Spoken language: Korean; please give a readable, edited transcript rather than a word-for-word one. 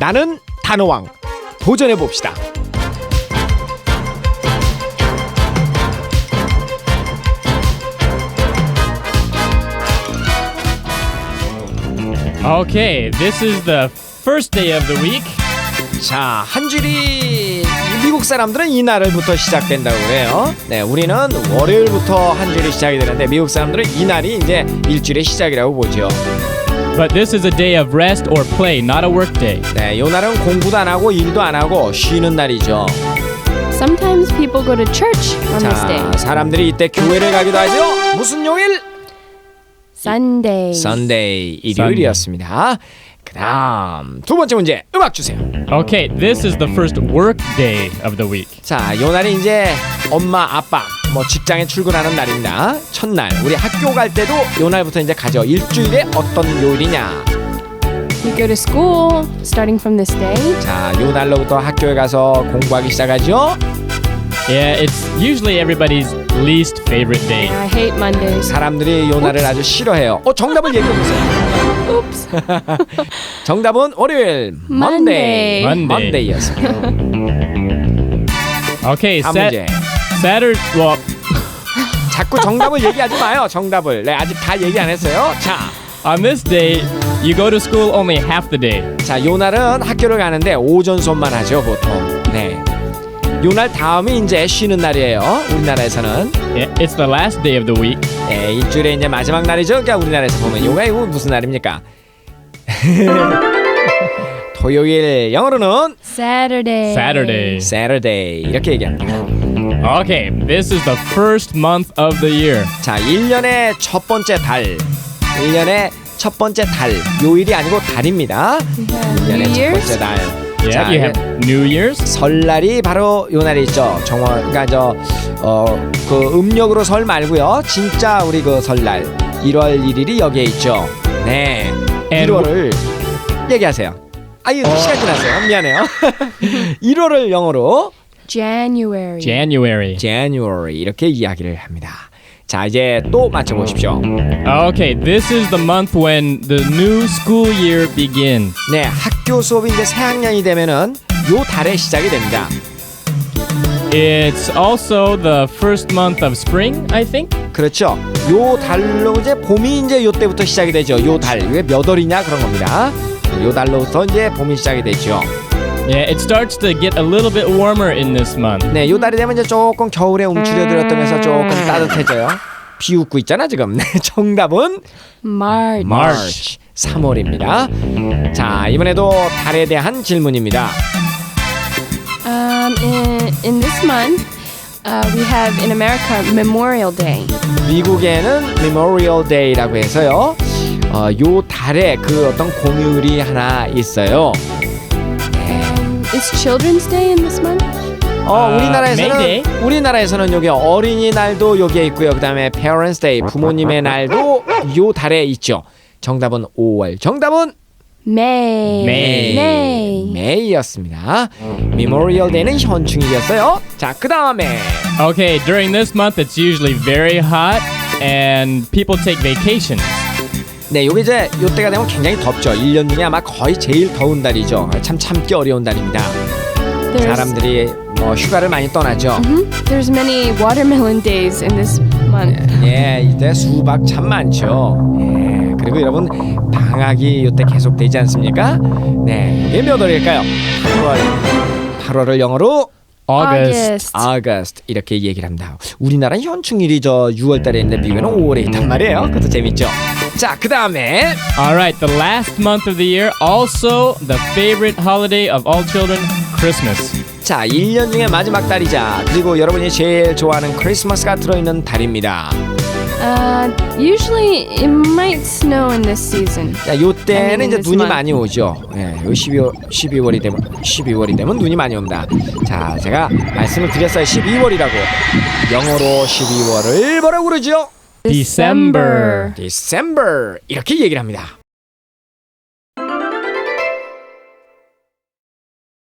나는 단어왕 도전해 봅시다. Okay, this is the first day of the week. 자, 한 줄이 미국 사람들은 이날부터 시작된다고 그래요. 네, 우리는 월요일부터 한 줄이 시작이 되는데 미국 사람들은 이날이 이제 일주일의 시작이라고 보죠. But this is a day of rest or play, not a work day. 네, 이 날은 공부도 안 하고 일도 안 하고 쉬는 날이죠. Sometimes people go to church on this day. 자, 사람들이 이때 교회를 가기도 하죠. 무슨 요일? Sunday. Sunday, 일요일이었습니다. 그다음 두 번째 문제 음악 주세요. Okay, this is the first work day of the week. 자, 요 날이 이제 엄마, 아빠, 뭐 직장에 출근하는 날입니다. 첫날, 우리 학교 갈 때도 요 날부터 이제 가죠. 일주일에 어떤 요일이냐? We go to school starting from this day. 자, 요 날로부터 학교에 가서 공부하기 시작하죠. Yeah, it's usually everybody's least favorite day. I hate Mondays. 사람들이 요 날을 아주 싫어해요. 정답을 얘기해 보세요. Oops. 정답은 월요일, Monday. Monday였습니다. Okay, 다음 문제. Saturday. Well, 자꾸 정답을 얘기하지 마요. 정답을. 네, 아직 다 얘기 안 했어요. 자, on this day, you go to school only half the day. 자, 요 날은 학교를 가는데 오전 수업만 하죠, 보통. 네. 요 날 다음이 이제 쉬는 날이에요. 우리나라에서는. Yeah, it's the last day of the week. 네, 일주일에 이제 마지막 날이죠. 그러니까 우리나라에서 보면 요가 이거 무슨 날입니까? 토요일, 영어로는 Saturday. Saturday. Saturday 이렇게 얘기합니다. Okay, this is the first month of the year. 자, 1년의 첫 번째 달. 1년의 첫 번째 달. 요일이 아니고 달입니다. Yeah, 1년의 New 첫 Year's. 번째 달. Yeah, 자, you have New Year's. 설날이 바로 요 날이 있죠. 그러니까 그 음력으로 설 말고요. 진짜 우리 그 설날 1월 1일이 여기에 있죠. 네. 1월을 얘기하세요. 아유, 시간 지났어요. 미안해요. 1월을 영어로 January. January 이렇게 이야기를 합니다. 자, 이제 또 맞춰 보십시오. Okay, this is the month when the new school year begins. 네, 학교 수업이 이제 새 학년이 되면은 요 달에 시작이 됩니다. It's also the first month of spring, I think. 그렇죠. 요 달로 이제 봄이 이제 요 때부터 시작이 되죠. 요 달. 이게 몇 월이냐 그런 겁니다. 요 달로부터 이제 봄이 시작이 되죠. Yeah, it starts to get a little bit warmer in this month. 네, 요 달이 되면 이제 조금 겨울에 움츠려들었다면서 조금 따뜻해져요. 비웃고 있잖아 지금. 네, 정답은 March. 3월입니다. 자, 이번에도 달에 대한 질문입니다. In this month, we have in America Memorial Day. 미국에는 Memorial Day라고 해서요. 요 달에 그 어떤 공휴일이 하나 있어요. Is Children's Day in this month? May 우리나라에서는 여기 어린이날도 여기에 있고요. 그다음에 Parents Day 부모님의 날도 요 달에 있죠. 정답은 5월. 정답은 May였습니다. Memorial Day는 현충일이었어요. 자, 그다음에 Okay, during this month it's usually very hot and people take vacations. 네, 요게 이제 요때가 되면 굉장히 덥죠. 1년 중에 아마 거의 제일 더운 달이죠. 참 참기 어려운 달입니다. 사람들이 뭐 휴가를 많이 떠나죠. There's many watermelon days in this month. 예, 이때 수박 참 많죠. 예, 그리고 여러분 방학이 이때 계속되지 않습니까? 네, 이게 몇 월일까요? 8월을 영어로 August 이렇게 얘기를 합니다. 우리나라는 현충일이 저 6월달에 있는데 미국에는 5월에 있단 말이에요. 그것도 재밌죠. 자, 그 다음에 Alright, the last month of the year, also the favorite holiday of all children, Christmas. 자, 1년 중에 마지막 달이자 그리고 여러분이 제일 좋아하는 크리스마스가 들어있는 달입니다. Usually it might snow in this season. 자, 요때는 이제 this 눈이 month. 많이 오죠. 예, 요 12월이 되면 눈이 많이 옵니다. 자, 제가 말씀을 드렸어요. 12월이라고. 영어로 12월을 뭐라고 그러죠? December. December 이렇게 얘기를 합니다.